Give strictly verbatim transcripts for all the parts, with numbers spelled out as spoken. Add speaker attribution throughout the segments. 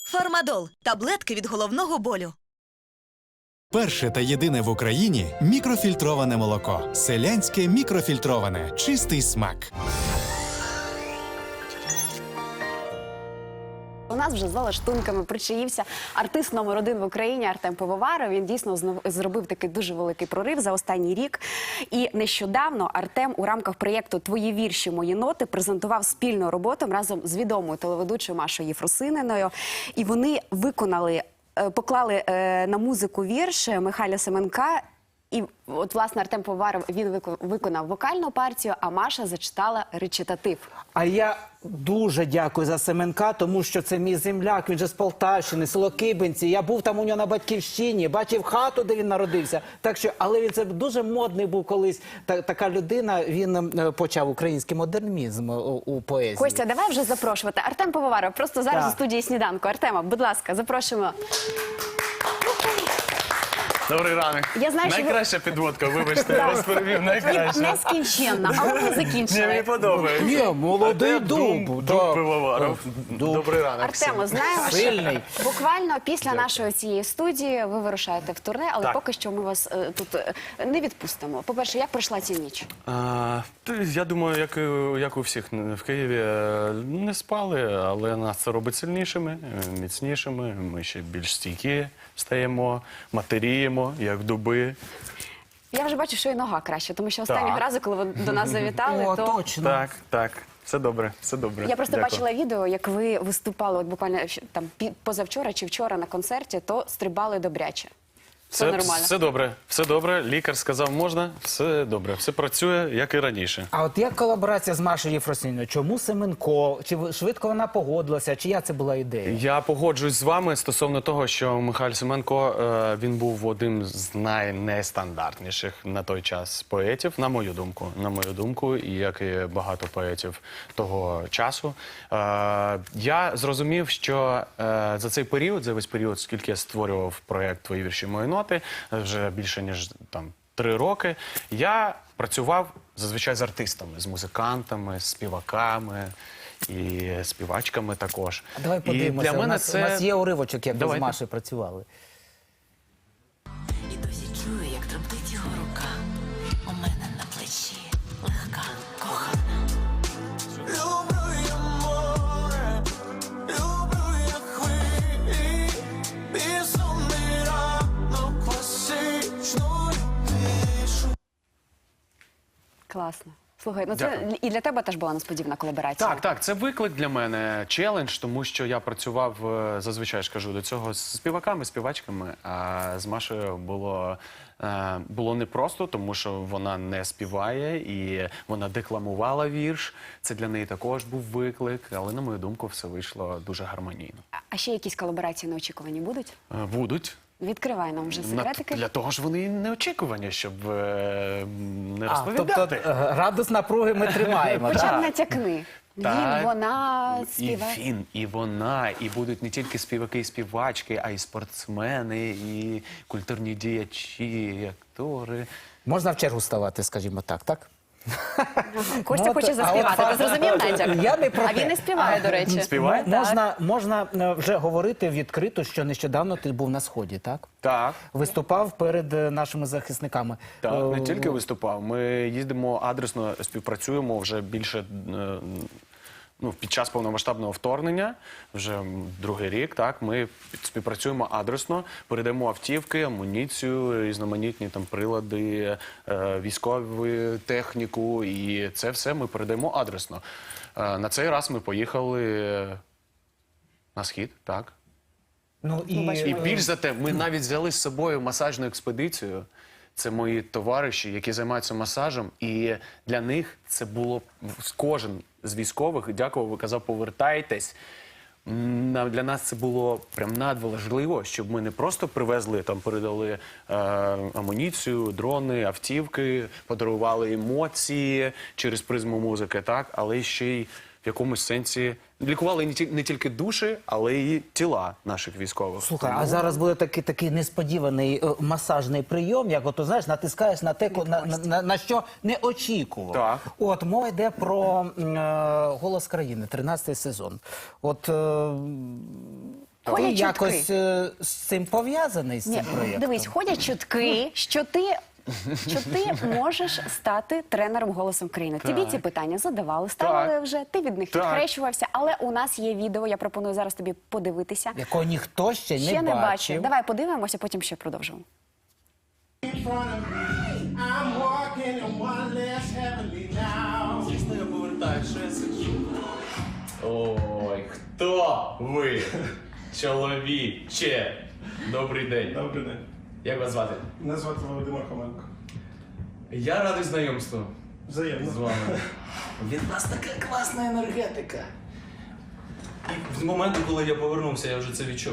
Speaker 1: Фармадол – таблетки від головного болю.
Speaker 2: Перше та єдине в Україні мікрофільтроване молоко. Селянське мікрофільтроване. Чистий смак.
Speaker 3: У нас вже за лаштунками причаївся артист номер один в Україні Артем Пивоваров. Він дійсно знов- зробив такий дуже великий прорив за останній рік. І нещодавно Артем у рамках проєкту «Твої вірші, мої ноти» презентував спільну роботу разом з відомою телеведучою Машою Єфросиніною. І вони виконали, е, поклали е, на музику вірш Михайла Семенка. І от, власне, Артем Пивоваров, він вико- виконав вокальну партію, а Маша зачитала речитатив.
Speaker 4: А я дуже дякую за Семенка, тому що це мій земляк, він же з Полтавщини, село Кибинці. Я був там у нього на батьківщині, бачив хату, де він народився. Так що, але він це дуже модний був колись. Та, така людина, він е, почав український модернізм у, у поезії.
Speaker 3: Костя, давай вже запрошувати. Артем Пивоваров, просто зараз
Speaker 4: Так.
Speaker 3: у студії «Сніданку». Артема, будь ласка, запрошуємо.
Speaker 5: Добрий ранок.
Speaker 3: Я знаю, що ви-
Speaker 5: Найкраща підводка, вибачте, я вас перевів, найкраща.
Speaker 3: Нескінченна, але ми
Speaker 5: Ні, мені
Speaker 3: закінчили.
Speaker 5: подобається.
Speaker 4: Ні, молодий
Speaker 5: Артем
Speaker 4: дуб.
Speaker 5: Дуб,
Speaker 4: так.
Speaker 5: Дуб Пивоваров.
Speaker 4: Дуб.
Speaker 5: Добрий ранок.
Speaker 3: Артемо,
Speaker 5: всім.
Speaker 3: знаємо, що
Speaker 4: Сильний.
Speaker 3: буквально після нашої цієї студії ви вирушаєте в турне, але
Speaker 5: Так.
Speaker 3: поки що ми вас е, тут е, не відпустимо. По-перше, як пройшла ця ніч?
Speaker 5: А, то я думаю, як, і- як у всіх в Києві, е, не спали, але нас це робить сильнішими, е, міцнішими. Ми ще більш стійкі стаємо, матеріємо, як дуби.
Speaker 3: Я вже бачу, що і нога краще, тому що останнього
Speaker 5: Так.
Speaker 3: разу, коли ви до нас завітали,
Speaker 4: О,
Speaker 3: то...
Speaker 4: точно.
Speaker 5: Так, так, все добре, все добре.
Speaker 3: Я просто
Speaker 5: Дякую.
Speaker 3: бачила відео, як ви виступали от буквально щ- там пі- позавчора чи вчора на концерті, то стрибали добряче. Все
Speaker 5: Все,
Speaker 3: нормально.
Speaker 5: все добре, все добре. Лікар сказав, можна, все добре, все працює, як і раніше.
Speaker 4: А от як колаборація з Машею Єфросиніною? Чому Семенко? Чи ви- швидко вона погодилася? Чия це була ідея?
Speaker 5: Я погоджуюсь з вами стосовно того, що Михайло Семенко, е, він був одним з найнестандартніших на той час поетів, на мою думку. На мою думку, і як і багато поетів того часу. Е, я зрозумів, що е, за цей період, за весь період, скільки я створював проєкт «Твої вірші, мої ноти», вже більше ніж там три роки, я працював зазвичай з артистами, з музикантами, з співаками і співачками також.
Speaker 4: А давай
Speaker 5: І
Speaker 4: подивимося.
Speaker 5: для
Speaker 4: у,
Speaker 5: мене
Speaker 4: нас,
Speaker 5: це...
Speaker 4: у нас є уривочок, як ви з
Speaker 5: Давайте.
Speaker 4: Машею працювали.
Speaker 6: І досі чую, як тремтить його рука. У мене на плечі легка, кохана.
Speaker 7: Люблю я море, люблю я хвилі, безумний ранок класичною тишу.
Speaker 3: Класно. Слухай, ну це
Speaker 5: Дякую.
Speaker 3: і для тебе теж була несподівана колаборація.
Speaker 5: Так, так, це виклик для мене, челендж, тому що я працював, е, зазвичай ж кажу, до цього з співаками, співачками, а з Машею було, е, було непросто, тому що вона не співає і вона декламувала вірш. Це для неї також був виклик, але, на мою думку, все вийшло дуже гармонійно.
Speaker 3: А- А ще якісь колаборації неочікувані будуть?
Speaker 5: Е, Будуть.
Speaker 3: Відкривай нам вже
Speaker 5: На-
Speaker 3: секретики.
Speaker 5: Для того ж вони і неочікувані, щоб е, не
Speaker 4: А,
Speaker 5: розповідати.
Speaker 4: тобто е, градус напруги ми тримаємо.
Speaker 3: Хоча б
Speaker 4: так?
Speaker 3: натякни.
Speaker 5: Так.
Speaker 3: Він, вона,
Speaker 5: І
Speaker 3: співає.
Speaker 5: він, і вона, і будуть не тільки співаки і співачки, а й спортсмени, і культурні діячі, і актори.
Speaker 4: Можна в чергу ставати, скажімо так, так?
Speaker 3: Костя
Speaker 4: Ну,
Speaker 3: хоче
Speaker 4: то- а
Speaker 3: заспівати.
Speaker 4: от-
Speaker 3: Ти зрозумів, Надя?
Speaker 4: Я не про
Speaker 3: А
Speaker 4: те.
Speaker 3: він не співає, до речі.
Speaker 5: Співає?
Speaker 4: М- Можна, можна е, вже говорити відкрито, що нещодавно ти був на Сході, так?
Speaker 5: Так.
Speaker 4: Виступав перед е, нашими захисниками.
Speaker 5: Так,
Speaker 4: Е,
Speaker 5: не тільки виступав. Ми їздимо адресно, співпрацюємо вже більше. е, Ну, під час повномасштабного вторгнення, вже м, другий рік, так, ми під- співпрацюємо адресно, передаємо автівки, амуніцію, різноманітні там прилади, е, військову техніку, і це все ми передаємо адресно. Е, на цей раз ми поїхали на схід, так.
Speaker 4: Ну, і,
Speaker 5: І більш за те, ми навіть взяли з собою масажну експедицію. Це мої товариші, які займаються масажем, і для них це було кожен з військових дякував, казав, повертайтесь. М, Для нас це було прям надважливо, щоб ми не просто привезли, там передали е, амуніцію, дрони, автівки, подарували емоції через призму музики, так, але ще й в якомусь сенсі лікували не, ті, не тільки душі, але й тіла наших військових.
Speaker 4: Слухай,
Speaker 5: Тому-
Speaker 4: а зараз буде такий, такий несподіваний е, масажний прийом, як ото, знаєш, натискаєш на те, ко- на, на, на, на що не очікував.
Speaker 5: Так.
Speaker 4: От, мова йде про м, е, «Голос країни», тринадцятий сезон. От, е, Ти
Speaker 3: Ходять чутки.
Speaker 4: якось е, з цим пов'язаний з
Speaker 3: Ні,
Speaker 4: цим проєктом?
Speaker 3: дивись, ходять чутки, що ти, що ти можеш стати тренером «Голосу країни». Тобі ці питання задавали, ставили
Speaker 5: Так.
Speaker 3: вже, ти від них
Speaker 5: Так.
Speaker 3: відхрещувався, але у нас є відео, я пропоную зараз тобі подивитися.
Speaker 4: Якого ніхто ще,
Speaker 3: Ще
Speaker 4: не
Speaker 3: не
Speaker 4: бачив.
Speaker 3: бачив. Давай подивимося, потім ще продовжимо.
Speaker 7: I'm walking in one less heavenly now.
Speaker 5: Звісно, я повертаю, що я сиджу. Ой, хто ви? Чоловіче. Добрий день.
Speaker 8: Добрий день.
Speaker 5: Як вас звати?
Speaker 8: Мене звати Володимир Хоменко.
Speaker 5: Я радий знайомству
Speaker 8: Взаємно.
Speaker 5: з вами. Від нас така класна енергетика. І з моменту, коли я повернувся, я вже це відчув.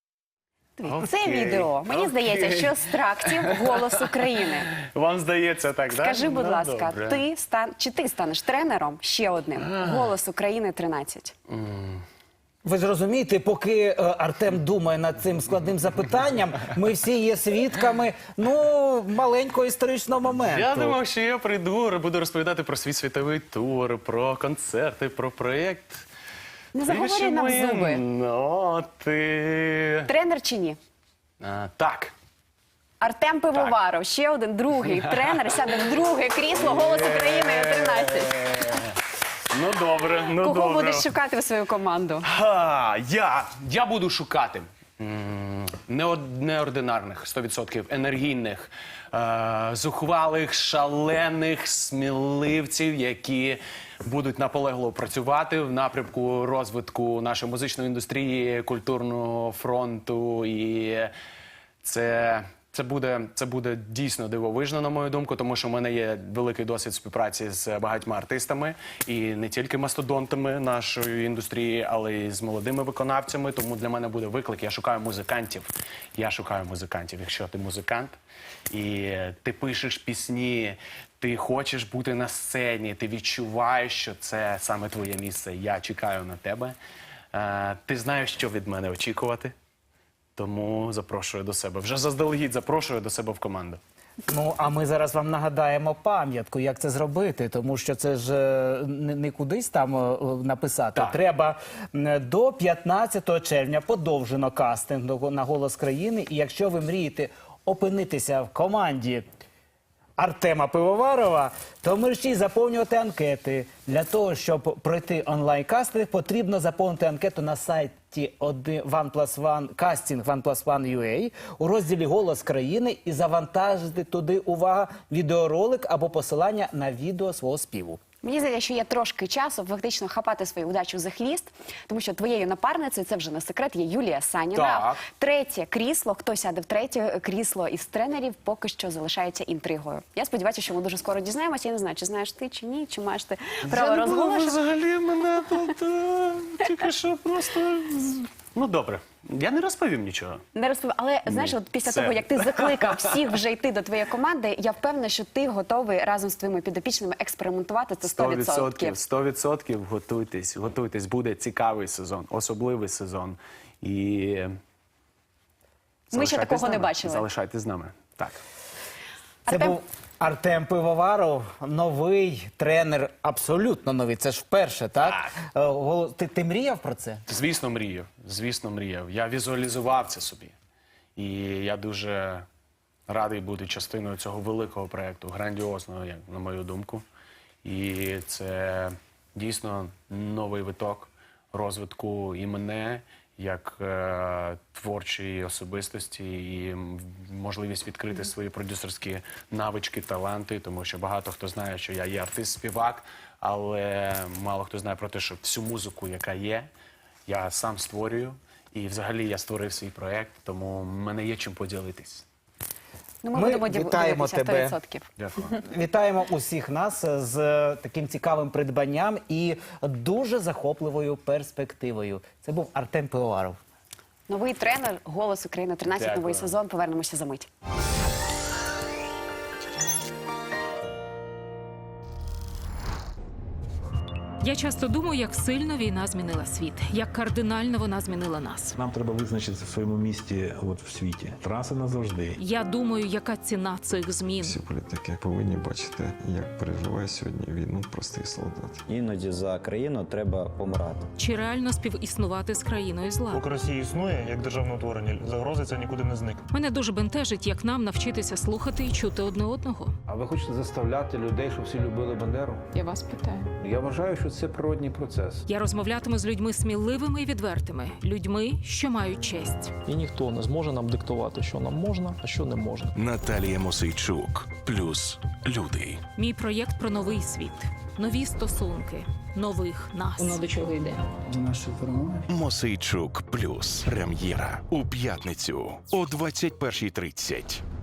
Speaker 3: Це
Speaker 5: Окей,
Speaker 3: відео, мені
Speaker 5: окей.
Speaker 3: здається, що з трактів «Голос України».
Speaker 5: Вам здається так, так?
Speaker 3: Скажи, будь ласка, ти стан... чи ти станеш тренером ще одним «Голос України тринадцять»?
Speaker 4: Ви ж розумієте, поки е, Артем думає над цим складним запитанням, ми всі є свідками, ну, маленького історичного моменту.
Speaker 5: Я думав, що я прийду, буду розповідати про свій світовий тур, про концерти, про проєкт.
Speaker 3: Не заговорюй нам
Speaker 5: Більше мої
Speaker 3: зуби.
Speaker 5: ноти.
Speaker 3: Тренер чи ні?
Speaker 5: А, так.
Speaker 3: Артем Пивоваров, ще один другий тренер, сяде в друге крісло «Голос України тринадцять».
Speaker 5: Ну добре, ну
Speaker 3: Кого
Speaker 5: добре.
Speaker 3: будеш шукати в свою команду?
Speaker 5: Ха, я, я буду шукати м, неод- неординарних, сто відсотків енергійних, е, зухвалих, шалених сміливців, які будуть наполегливо працювати в напрямку розвитку нашої музичної індустрії, культурного фронту. І це, це, буде, це буде дійсно дивовижно, на мою думку, тому що в мене є великий досвід співпраці з багатьма артистами, і не тільки мастодонтами нашої індустрії, але й з молодими виконавцями. Тому для мене буде виклик. Я шукаю музикантів. Я шукаю музикантів. Якщо ти музикант і ти пишеш пісні, ти хочеш бути на сцені, ти відчуваєш, що це саме твоє місце. Я чекаю на тебе. Е, Ти знаєш, що від мене очікувати. Тому запрошую до себе. Вже заздалегідь запрошую до себе в команду.
Speaker 4: Ну, а ми зараз вам нагадаємо пам'ятку, як це зробити, тому що це ж е, не, не кудись там е, написати.
Speaker 5: Так.
Speaker 4: Треба м, до п'ятнадцятого червня подовжено кастинг до- на «Голос країни», і якщо ви мрієте опинитися в команді Артема Пивоварова, то мерщій заповнювати анкети. Для того, щоб пройти онлайн-кастинг, потрібно заповнити анкету на сайті One Plus One, кастинг One Plus One ю ей у розділі «Голос країни» і завантажити туди, увага, відеоролик або посилання на відео свого співу.
Speaker 3: Мені здається, що є трошки часу фактично хапати свою удачу за хвіст, тому що твоєю напарницею, це вже не секрет, є Юлія Саніна.
Speaker 5: Так.
Speaker 3: Третє крісло, хто сяде в третє крісло із тренерів, поки що залишається інтригою. Я сподіваюся, що ми дуже скоро дізнаємося. Я не знаю, чи знаєш ти, чи ні, чи маєш ти право розголошувати.
Speaker 5: Взагалі мене тут е, тільки що просто... Ну добре, я не розповім нічого.
Speaker 3: Не розповім, але знаєш, от після
Speaker 5: Це-
Speaker 3: того, як ти закликав всіх вже йти до твоєї команди, я впевнена, що ти готовий разом з твоїми підопічними експериментувати це сто відсотків.
Speaker 5: сто відсотків готуйтесь, готуйтесь. Буде цікавий сезон, особливий сезон. І
Speaker 3: Ми ще
Speaker 5: залишайтесь
Speaker 3: такого
Speaker 5: з
Speaker 3: не
Speaker 5: нами.
Speaker 3: бачили.
Speaker 5: Залишайтесь з нами. Так.
Speaker 4: Це
Speaker 3: Артем-
Speaker 4: був Артем Пивоваров, новий тренер, абсолютно новий. Це ж вперше, так? Е, Голос- Ти, ти мріяв про це?
Speaker 5: Звісно, мріяв. Звісно, мріяв. Я візуалізував це собі. І я дуже радий бути частиною цього великого проєкту, грандіозного, як на мою думку. І це дійсно новий виток розвитку і мене як е, творчої особистості, і м, можливість відкрити свої продюсерські навички, таланти, тому що багато хто знає, що я є артист-співак, але мало хто знає про те, що всю музику, яка є, я сам створюю. І взагалі я створив свій проєкт, тому в мене є чим поділитись.
Speaker 3: Ну, ми,
Speaker 4: Ми
Speaker 3: будемо дів-
Speaker 4: вітаємо
Speaker 3: дивитися
Speaker 4: тебе.
Speaker 3: сто відсотків.
Speaker 5: Дякую.
Speaker 4: Вітаємо усіх нас з е, таким цікавим придбанням і дуже захопливою перспективою. Це був Артем Пивоваров.
Speaker 3: Новий тренер «Голос України тринадцять»,
Speaker 5: Дякую.
Speaker 3: новий сезон. Повернемося за мить.
Speaker 8: Я часто думаю, як сильно війна змінила світ, як кардинально вона змінила нас.
Speaker 9: Нам треба визначитися в своєму місті от в світі. Траса назавжди.
Speaker 8: Я думаю, яка ціна цих змін.
Speaker 10: Всі політики повинні бачити, як переживає сьогодні війну простий солдат.
Speaker 11: Іноді за країну треба помирати.
Speaker 8: Чи реально співіснувати з країною зла?
Speaker 12: Поки Росія існує як державне утворення, загрози це нікуди не зникне.
Speaker 8: Мене дуже бентежить, як нам навчитися слухати і чути одне одного.
Speaker 13: А ви хочете заставляти людей, щоб всі любили Бандеру?
Speaker 3: Я вас питаю.
Speaker 13: Я вважаю, що це природній процес.
Speaker 8: Я розмовлятиму з людьми сміливими і відвертими, людьми, що мають честь.
Speaker 14: І ніхто не зможе нам диктувати, що нам можна, а що не можна.
Speaker 15: Наталія Мосейчук. Плюс люди.
Speaker 8: Мій проєкт про новий світ, нові стосунки, нових нас.
Speaker 6: Воно до чого йде?
Speaker 13: До нашої перемоги.
Speaker 15: Мосейчук. Плюс. Прем'єра у п'ятницю о двадцять першій тридцять.